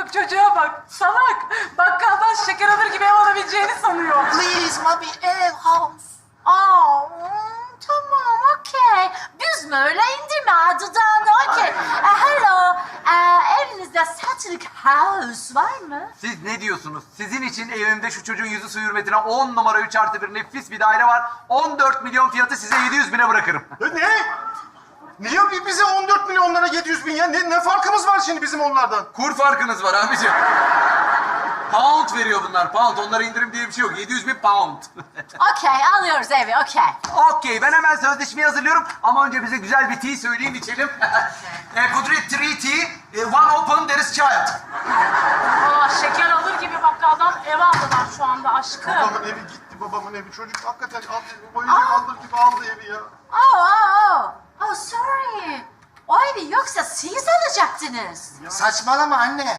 bak çocuğa bak. Salak. Bakkaldan şeker alır gibi ev alabileceğini sanıyor. Please, mommy, house. Tamam, okey. Büzme öyle, indirme dudağını, okey. Hello, evinizde satılık house var mı? Siz ne diyorsunuz? Sizin için evimde şu çocuğun yüzü su hürmetine 10 numara 3+1 nefis bir daire var. 14 milyon fiyatı size 700 bine bırakırım. Ne? Niye bize 14 milyonlara 700 bin ya? Ne farkımız var şimdi bizim onlardan? Kur farkınız var abiciğim. Pound veriyor bunlar, pound. Onlara indirim diye bir şey yok. 700 bin pound. Okey, alıyoruz evi, okey. Okey, ben hemen sözleşmeyi hazırlıyorum. Ama önce bize güzel bir tea söyleyin, içelim. Kudret 3 tea, one open, there is child. Şeker alır gibi bakkaldan ev aldılar şu anda aşkım. Babamın evi gitti, babamın evi. Çocuk hakikaten oyuncak alır gibi aldı evi ya. Oh, sorry. O evi yoksa siz alacaktınız. Saçmalama anne.